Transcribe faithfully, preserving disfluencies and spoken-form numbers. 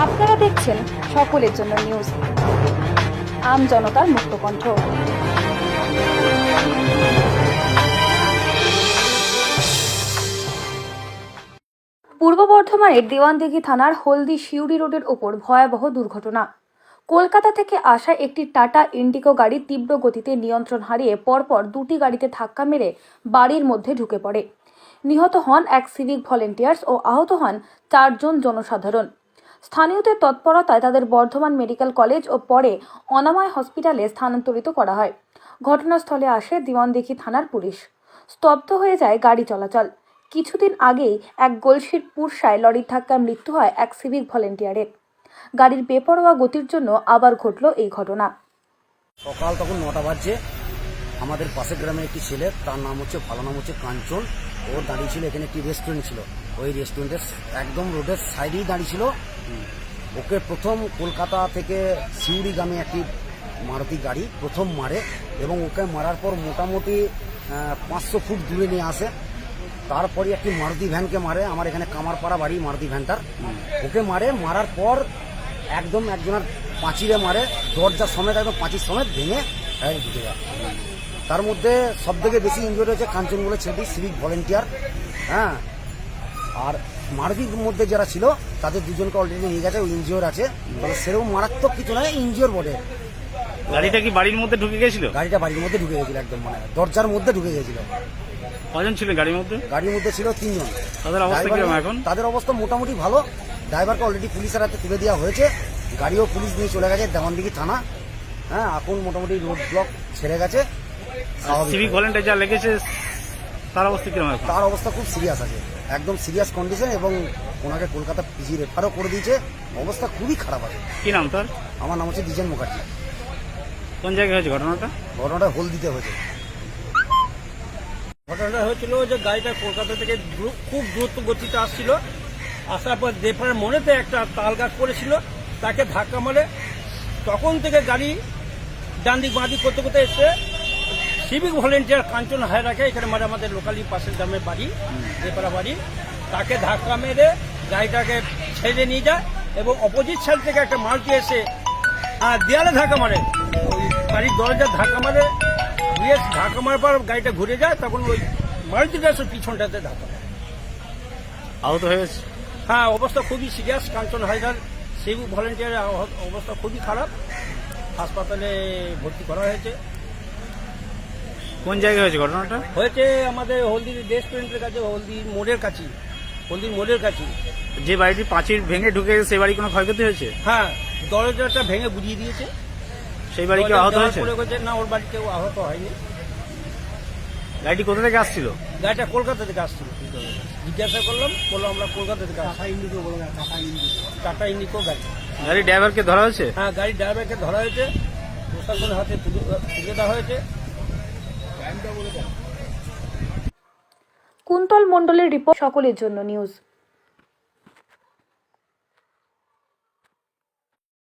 আপনারা দেখছেন সকলের জন্য নিউজ, আম জনতার মুক্ত কণ্ঠ। পূর্ব বর্ধমানের দেওয়ানদিঘি থানার হলদি শিউরি রোডের ওপর ভয়াবহ দুর্ঘটনা। কলকাতা থেকে আসা একটি টাটা ইন্ডিগো গাড়ি তীব্র গতিতে নিয়ন্ত্রণ হারিয়ে পরপর দুটি গাড়িতে ধাক্কা মেরে বাড়ির মধ্যে ঢুকে পড়ে। নিহত হন এক সিভিক ভলেন্টিয়ার্স ও আহত হন চারজন জনসাধারণ। স্থানীয়দের তৎপরতায় তাদের বর্ধমান মেডিকেল কলেজ ও পরে অনাময় হসপিটালে স্থানান্তরিত করা হয়। ঘটনাস্থলে আসে দেওয়ানদিঘি থানার পুলিশ। স্তব্ধ হয়ে যায় গাড়ি চলাচল। কিছুদিন আগেই এক গলসির পুরসায় লরির ধাক্কায় মৃত্যু হয় এক সিভিক ভলেন্টিয়ারের। গাড়ির বেপরোয়া গতির জন্য আবার ঘটল এই ঘটনা। সকাল তখন নটা বাজছে। আমাদের পাশের গ্রামের একটি ছেলে, তার নাম হচ্ছে ভালো নাম হচ্ছে কাঞ্চন, ও দাঁড়িয়ে ছিল এখানে একটি রেস্টুরেন্ট ছিল, ওই রেস্টুরেন্টের একদম রোডের সাইডেই দাঁড়িয়ে ছিল। ওকে প্রথম কলকাতা থেকে শিউরিগামী একটি মারুতি গাড়ি প্রথম মারে এবং ওকে মারার পর মোটামুটি পাঁচশো ফুট দূরে নিয়ে আসে। তারপরে একটি মারুতি ভ্যানকে মারে, আমার এখানে কামারপাড়া বাড়ি মারুতি ভ্যানটার। ওকে মারে, মারার পর একদম একজনের পাঁচিরে মারে, দরজা সমেত একদম পাঁচির সমেত ভেঙে ঢুকে যায়। তার মধ্যে সব থেকে বেশি ইনজুরি হয়েছে কাঞ্চন বলে ছেলেটি, সিভিক ভলেন্টিয়ার। হ্যাঁ, আর মারুতির মধ্যে যারা ছিল তাদের দুজনকে অলরেডি নিয়ে গেছে, ইনজিওর আছে। তবে সেরকম মারাত্মক কিছু নয়, ইনজিওর বটে। গাড়িটা কি বাড়ির মধ্যে ঢুকে গেছিল? গাড়িটা বাড়ির মধ্যে ঢুকে গেছিল, একদম মানে দরজার মধ্যে ঢুকে গেছিল। কজন ছিল গাড়ির মধ্যে? গাড়ির মধ্যে ছিল তিনজন। তাদের অবস্থা কিরকম এখন? তাদের অবস্থা মোটামুটি ভালো। ড্রাইভারকে অলরেডি পুলিশের হাতে তুলে দেওয়া হয়েছে, গাড়িও পুলিশ নিয়ে চলে গেছে দেওয়ানদিঘি থানা। হ্যাঁ, এখন মোটামুটি রোড ব্লক ছেড়ে গেছে। সিভিক ভলেন্টিয়ার যা লেগেছে তার অবস্থা কিরকম? তার অবস্থা খুব সিরিয়াস আছে, একদম সিরিয়াস কন্ডিশন, এবং ওনাকে কলকাতা পিজি রেফারও করে দিয়েছে। অবস্থা খুবই খারাপ আছে। কি নাম তার? আমার নাম হচ্ছে দ্বিজেন মুখার্জি। কোন জায়গায় হয়েছে ঘটনাটা? ঘটনাটা হলদিতে হয়েছে। ঘটনাটা হয়েছিল যে গাড়িটা কলকাতা থেকে খুব দ্রুত গতিতে আসছিল, আসার পর দেফার মনেতে একটা তাল গাছ পড়েছিল, তাকে ধাক্কা মারে। তখন থেকে গাড়ি ডান দিক বাঁ দিক করতে করতে এসে সিভিক ভলেন্টিয়ার কাঞ্চন হায়রাকে, এখানে মানে আমাদের লোকালি পাশের গ্রামের বাড়ি, দেপাড়া বাড়ি, তাকে ধাক্কা মেরে গাড়িটাকে ছেড়ে নিয়ে যায় এবং অপোজিট সাইড থেকে একটা মারুতি এসে দেয়ালে ধাক্কা মারে, ওই গাড়ির দরজা ধাক্কা মারে, দিয়ে ধাক্কা মারার পর গাড়িটা ঘুরে যায়, তখন ওই মারুতিটা এসে পিছনটাতে ধাক্কা মারে। আহত হয়েছে? হ্যাঁ, অবস্থা খুবই সিরিয়াস। কাঞ্চন হায়দার সিভিক ভলেন্টিয়ারের অবস্থা খুবই খারাপ, হাসপাতালে ভর্তি করা হয়েছে। কোন জায়গায় হয়েছে ঘটনাটা? হয়েছে আমাদের হলদির রেস্টুরেন্টের কাছে, হলদির মোড়ের কাছে, হলদির মোড়ের কাছে। যে বাড়িটি পাঁচির ভেঙে ঢুকে গেছে সেই বাড়ি কোনো ক্ষয়ক্ষতি হয়েছে? হ্যাঁ, দরজাটা ভেঙে বুঝিয়ে দিয়েছে। সেই বাড়ি কেউ আহত হয়েছে? না, ওর বাড়ি কেউ আহত হয়নি। গাড়িটি কোথা থেকে আসছিল? গাড়িটা কলকাতা থেকে আসছিল। জিজ্ঞাসা করলাম, বললো আমরা কলকাতা থেকে আসছি। টাটা ইন্ডিগো গাড়ি। গাড়ির ড্রাইভারকে ধরা হয়েছে? হ্যাঁ, গাড়ির ড্রাইভারকে ধরা হয়েছে, প্রশাসনের হাতে তুলে দেওয়া হয়েছে। কুন্তল মণ্ডলের রিপোর্ট, সকলের জন্য নিউজ।